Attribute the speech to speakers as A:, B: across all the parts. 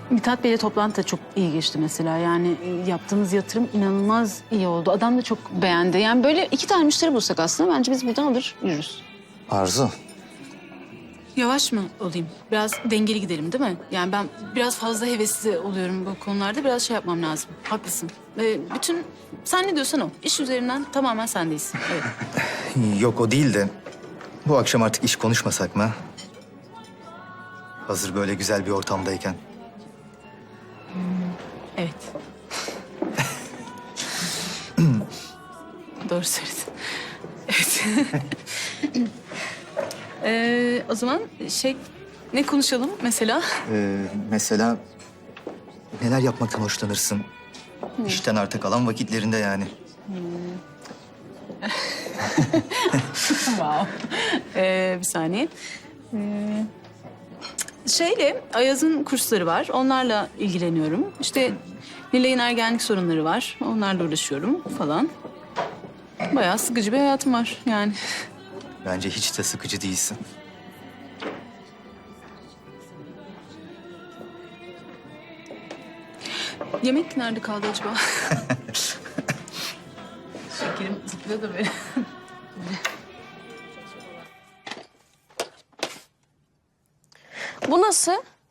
A: Mithat Bey'le toplantı da çok iyi geçti mesela. Yani yaptığımız yatırım inanılmaz iyi oldu. Adam da çok beğendi. Yani böyle 2 tane müşteri bulsak aslında bence biz buradan alır yürürüz.
B: Arzu.
A: Yavaş mı olayım? Biraz dengeli gidelim değil mi? Yani ben biraz fazla hevesli oluyorum bu konularda. Biraz şey yapmam lazım. Haklısın. Bütün sen ne diyorsan o. İş üzerinden tamamen sendeyiz. Evet.
B: Yok o değil de bu akşam artık iş konuşmasak mı? Hazır böyle güzel bir ortamdayken.
A: Evet. Doğru söyledin. Evet. O zaman ne konuşalım mesela?
B: Mesela neler yapmaktan hoşlanırsın? İşten arta kalan vakitlerinde yani.
A: Wow. Bir saniye. Ayaz'ın kursları var. Onlarla ilgileniyorum. İşte Nilay'ın ergenlik sorunları var. Onlarla uğraşıyorum falan. Bayağı sıkıcı bir hayatım var yani.
B: Bence hiç de sıkıcı değilsin.
A: Yemek nerede kaldı acaba? Şekerim zıplıyor da böyle.
C: Bu nasıl?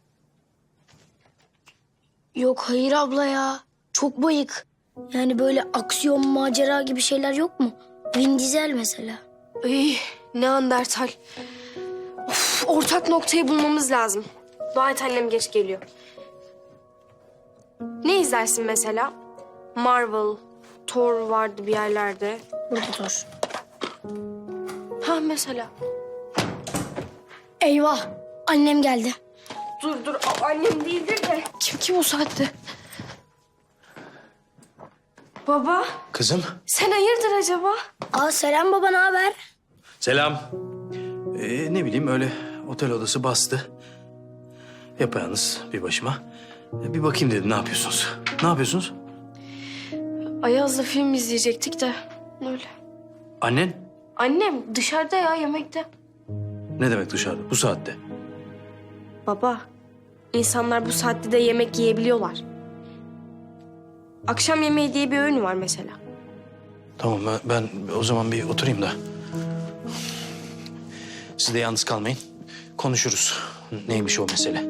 D: Yok hayır abla ya. Çok bayık. Yani böyle aksiyon, macera gibi şeyler yok mu? Vin Diesel mesela.
C: Ay, Neandertal. Of, ortak noktayı bulmamız lazım. Dua et annem geç geliyor. Ne izlersin mesela? Marvel, Thor vardı bir yerlerde.
D: Burada dur.
C: Ha mesela.
D: Eyvah. Annem geldi.
C: Dur, annem değildir de. Kim o saatte? Baba,
E: Kızım,
C: sen hayırdır acaba?
D: Aa Selam baba, ne haber?
E: selam. Ne bileyim öyle otel odası bastı. Yapayalnız bir başıma. Bir bakayım dedim ne yapıyorsunuz? Ne yapıyorsunuz?
C: Ayaz'la film izleyecektik de öyle.
E: Annen?
C: Annem dışarıda ya yemekte.
E: Ne demek dışarıda bu saatte?
C: Baba, insanlar bu saatte de yemek yiyebiliyorlar. Akşam yemeği diye bir öğün var mesela.
E: Tamam ben o zaman bir oturayım da. Siz de yalnız kalmayın. Konuşuruz. Neymiş o mesele?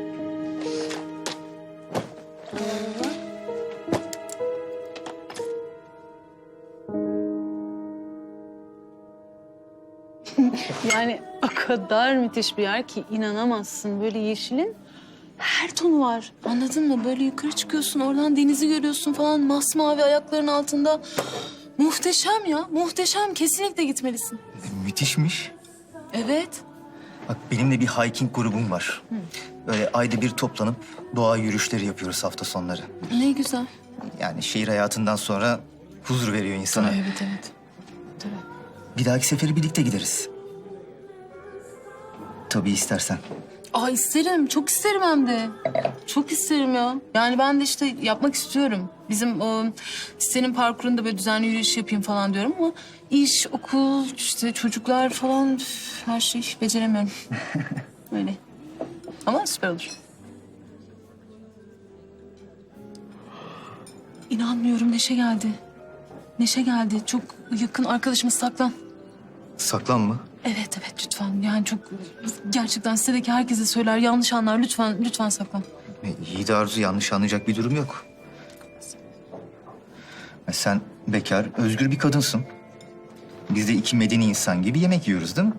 A: Yani o kadar müthiş bir yer ki inanamazsın. Böyle yeşilin her tonu var. Anladın mı? Böyle yukarı çıkıyorsun, oradan denizi görüyorsun falan. Masmavi ayakların altında. Muhteşem ya, muhteşem. Kesinlikle gitmelisin.
B: Müthişmiş.
A: Evet.
B: Bak benim de bir hiking grubum var. Böyle ayda bir toplanıp doğa yürüyüşleri yapıyoruz hafta sonları.
A: Ne güzel.
B: Yani şehir hayatından sonra huzur veriyor insana.
A: Evet.
B: Bir dahaki seferi birlikte gideriz. Tabii istersen.
A: Aa isterim, çok isterim hem de. Çok isterim ya. Yani ben de işte yapmak istiyorum. Bizim o sitenin parkurunda böyle düzenli yürüyüş yapayım falan diyorum ama iş, okul, işte çocuklar falan her şey beceremiyorum. Öyle. Ama süper olur. İnanmıyorum Neşe geldi. Neşe geldi. Çok yakın arkadaşımız Saklan.
B: Saklanma.
A: Evet lütfen. Yani çok gerçekten sitedeki herkese söyler. Yanlış anlar. Lütfen Saklan.
B: İyi de Arzu, yanlış anlayacak bir durum yok. Sen bekar, özgür bir kadınsın. Biz de iki medeni insan gibi yemek yiyoruz değil mi?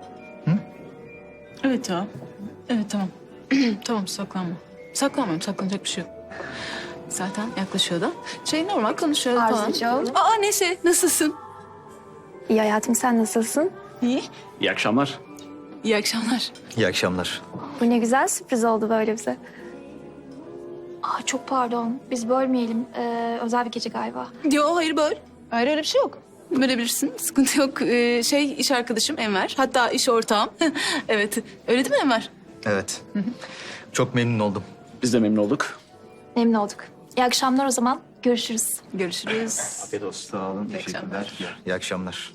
A: Evet ya. Evet tamam. Tamam saklanma. Saklanmıyorum. Saklanacak bir şey yok. Zaten yaklaşıyor da. Normal konuşuyor falan.
F: Arzucuğum.
A: Aa Neşe nasılsın?
F: İyi hayatım, sen nasılsın?
A: İyi.
E: İyi akşamlar.
A: İyi akşamlar.
B: İyi akşamlar.
F: Bu ne güzel sürpriz oldu böyle bize. Aa, çok pardon, biz bölmeyelim. Özel bir gece galiba.
A: Yo hayır böyle. Hayır öyle bir şey yok. Bölebilirsin. Sıkıntı yok. İş arkadaşım Enver. Hatta iş ortağım. Evet. Öyle değil mi Enver?
B: Evet. Çok memnun oldum.
E: Biz de memnun olduk.
F: Memnun olduk. İyi akşamlar o zaman. Görüşürüz.
A: Görüşürüz.
E: Afiyet olsun.
B: Sağ olun.
A: İyi akşamlar.
B: İyi akşamlar.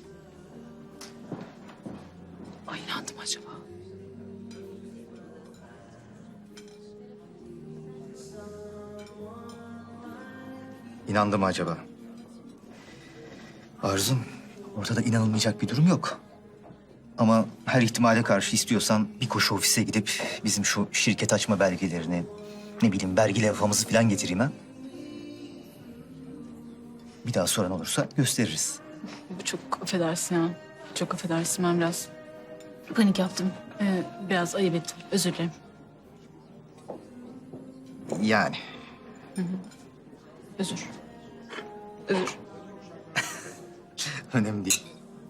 A: Ay inandım acaba.
B: İnandı mı acaba? Arzum, ortada inanılmayacak bir durum yok. Ama her ihtimale karşı istiyorsan bir koşu ofise gidip bizim şu şirket açma belgelerini, ne bileyim vergi levhamızı falan getireyim ha. Bir daha soran olursa gösteririz.
A: Çok affedersin ya. Çok affedersin, ben biraz panik yaptım. Biraz ayıp ettim. Özür dilerim.
B: Yani.
A: Özür. Özür.
B: Önemli değil.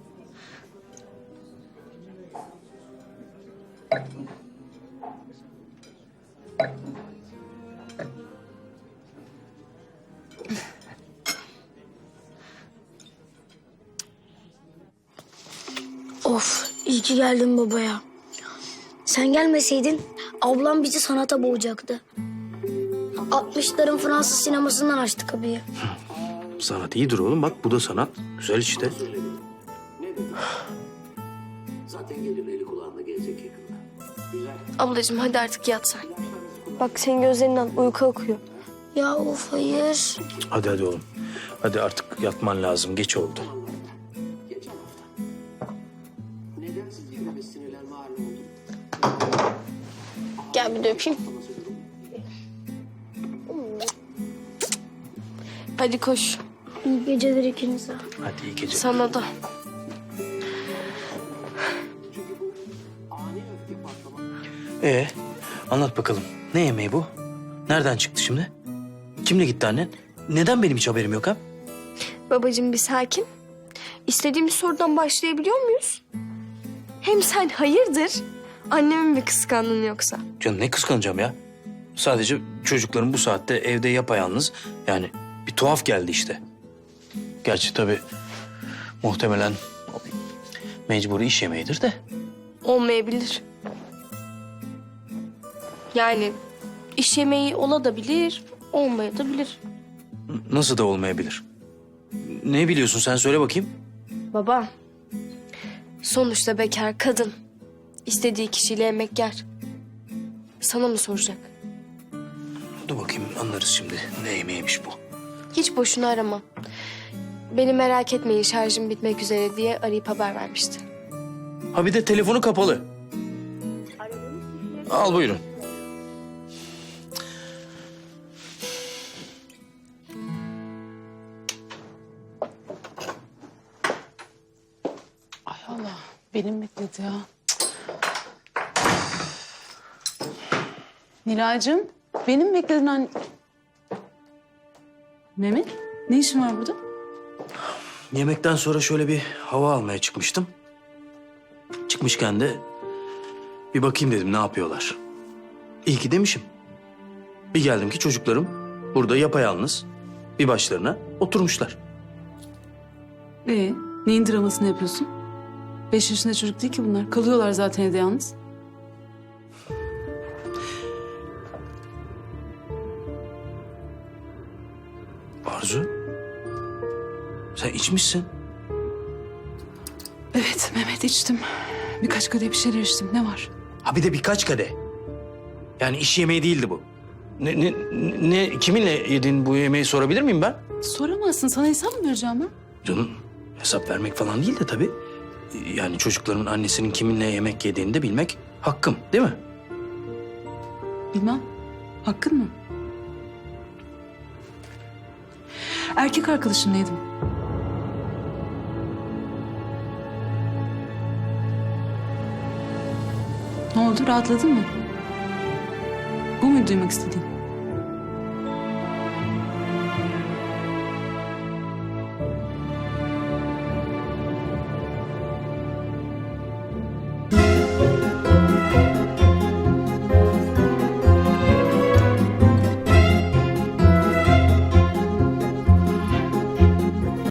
D: Of, iyi ki geldin baba ya. Sen gelmeseydin ablam bizi sanata boğacaktı. 60'ların Fransız sinemasından açtı kapıyı.
E: Sanat iyidir oğlum. Bak bu da sanat. Güzel işte.
G: Zaten gelir eli kulağına gelecek yakında. Güzel.
C: Ablacığım hadi artık yat sen. Bak senin gözlerinden uyku akıyor.
D: Ya of hayır.
E: Hadi oğlum. Hadi artık yatman lazım. Geç oldu.
G: Geçen hafta. Neden siz gibi sinirlenme haline oldu?
C: Gel bir de öpeyim. Hadi koş.
D: İyi geceler ikinize.
E: Hadi iyi geceler.
C: Sana da.
E: Anlat bakalım. Ne yemeği bu? Nereden çıktı şimdi? Kimle gitti annen? Neden benim hiç haberim yok ha?
C: Babacığım bir sakin. İstediğimiz sorudan başlayabiliyor muyuz? Hem sen hayırdır? Annemin mi kıskandın yoksa?
E: Canım ne kıskanacağım ya? Sadece çocukların bu saatte evde yapayalnız. Yani bir tuhaf geldi işte. Gerçi tabii muhtemelen mecburi iş yemeğidir de.
C: Olmayabilir. Yani iş yemeği olabilir, olmayabilir.
E: Nasıl da olmayabilir? Ne biliyorsun sen söyle bakayım.
C: Baba, sonuçta bekar kadın. İstediği kişiyle yemek yer. Sana mı soracak?
E: Dur bakayım anlarız şimdi ne yemeğiymiş bu.
C: Hiç boşuna arama. Beni merak etmeyin şarjım bitmek üzere diye arayıp haber vermişti.
E: Ha bir de telefonu kapalı. Al buyurun.
A: Ay Allah, benim bekledi ya. Nilay'cığım, benim bekledin anne. Mehmet, ne işin var burada?
E: Yemekten sonra şöyle bir hava almaya çıkmıştım. Çıkmışken de bir bakayım dedim ne yapıyorlar. İyi ki demişim. Bir geldim ki çocuklarım burada yapayalnız bir başlarına oturmuşlar.
A: Neyin dramasını yapıyorsun? 5 yaşında çocuk değil ki bunlar. Kalıyorlar zaten evde yalnız.
E: Arzu, sen içmişsin.
A: Evet Mehmet, içtim. Birkaç kadeh bir şeyler içtim. Ne var?
E: Ha bir de birkaç kadeh. Yani iş yemeği değildi bu. Ne kiminle yedin bu yemeği sorabilir miyim ben?
A: Soramazsın. Sana hesap mı vereceğim ben?
E: Canım hesap vermek falan değil de tabii. Yani çocukların annesinin kiminle yemek yediğini de bilmek hakkım değil mi?
A: Bilmem. Hakkın mı? Erkek arkadaşımla yedim. Ne oldu? Rahatladın mı? Bu mu duymak istediğin?